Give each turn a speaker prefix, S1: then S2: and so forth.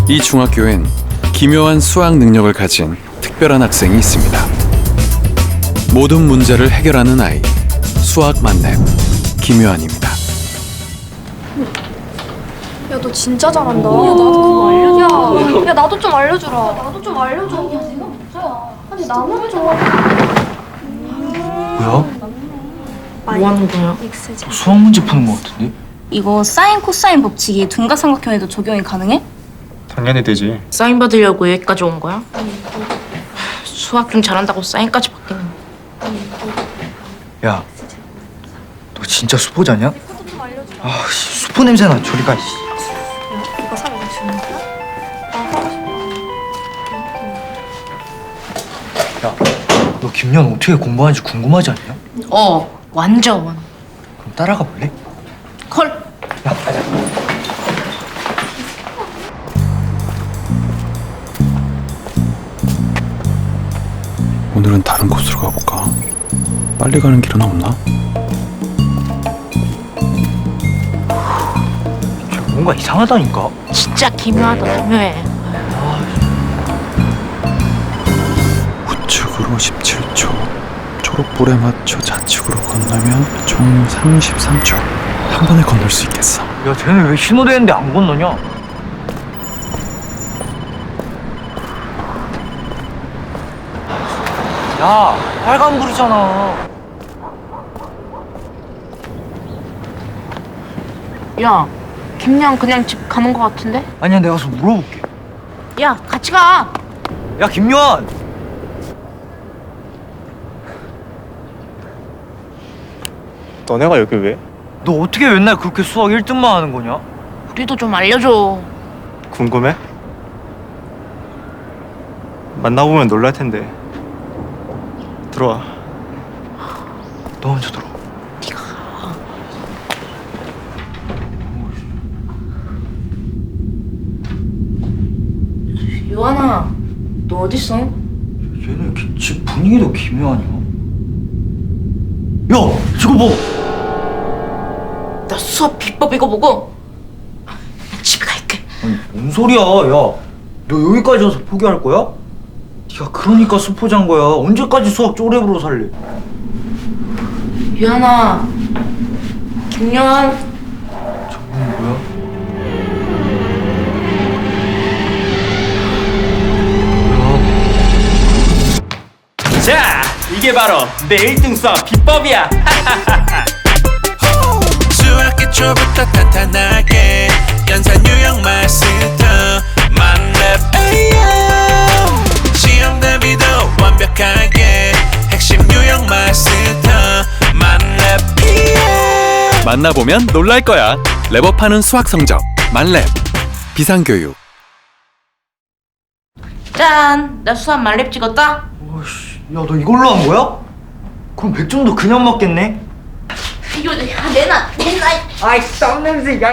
S1: 이 중학교엔 기묘한 수학 능력을 가진 특별한 학생이 있습니다. 모든 문제를 해결하는 아이, 수학 만렙 김요한입니다.
S2: 야, 너 진짜 잘한다. 야, 나도 그거 알려줘. 야, 나도 좀 알려주라. 나도 좀 알려줘. 야, 내가 문제야. 아니, 나만 좀.
S3: 뭐야? 뭐 하는 거야? 수학 문제 푸는 거 같은데?
S4: 이거 사인 코사인 법칙이 둔각삼각형에도 적용이 가능해?
S5: 당연히 되지.
S6: 사인 받으려고 여기까지 온 거야? 수학 좀 잘한다고 사인까지 받기는.
S3: 야, 너 진짜 수포자냐? 아, 씨, 수포 냄새나. 저리 가. 씨.
S2: 이거 사면 주는 거야? 나 하고 싶어.
S3: 야, 너 김연 어떻게 공부하는지 궁금하지 않냐?
S6: 완전.
S3: 그럼 따라가 볼래?
S6: 콜.
S3: 야, 가자.
S1: 오늘은 다른 곳으로 가볼까? 빨리 가는 길은 없나?
S3: 뭔가 이상하다니까.
S6: 진짜 기묘하다, 기묘해.
S1: 우측으로 17초, 초록불에 맞춰 좌측으로 건너면 총 33초. 한 번에 건널 수 있겠어.
S3: 야, 쟤네 왜 신호대는데 안 건너냐? 야, 빨간불이잖아.
S6: 야, 김양 그냥 집 가는 거 같은데?
S3: 아니야, 내가 가서 물어볼게.
S6: 야, 같이 가.
S3: 야, 김요한.
S5: 너네가 여기 왜?
S3: 너 어떻게 맨날 그렇게 수학 1등만 하는 거냐?
S6: 우리도 좀 알려줘.
S5: 궁금해? 만나보면 놀랄 텐데. 들어와.
S3: 너 먼저 들어.
S6: 요한아, 너 어딨어?
S3: 얘는 집 분위기도 기묘하냐? 야, 저거 뭐?
S6: 나 수업 비법 이거 보고 집에 갈게.
S3: 아니, 뭔 소리야? 야, 너 여기까지 와서 포기할 거야? 네가 그러니까 수포자인 거야. 언제까지 수학 쪼렙으로 살래?
S6: 요한아, 김요한.
S3: 저건 뭐야?
S7: 자, 이게 바로 내 1등 수학 비법이야.
S8: 수학 기초부터 탄탄하게 연산 유형 마스터 만렙 AM 시험 대비도 완벽하게 핵심 유형 마스터 만렙 PM
S1: 만나보면 놀랄 거야. 랩업하는 수학 성적 만렙 비상교육.
S6: 짠, 나 수학 만렙 찍었다.
S3: 오씨, 야, 너 이걸로 한 거야? 그럼 100점도 그냥 맞겠네?
S6: 이거 내놔.
S3: 아이, 땀 냄새. 야.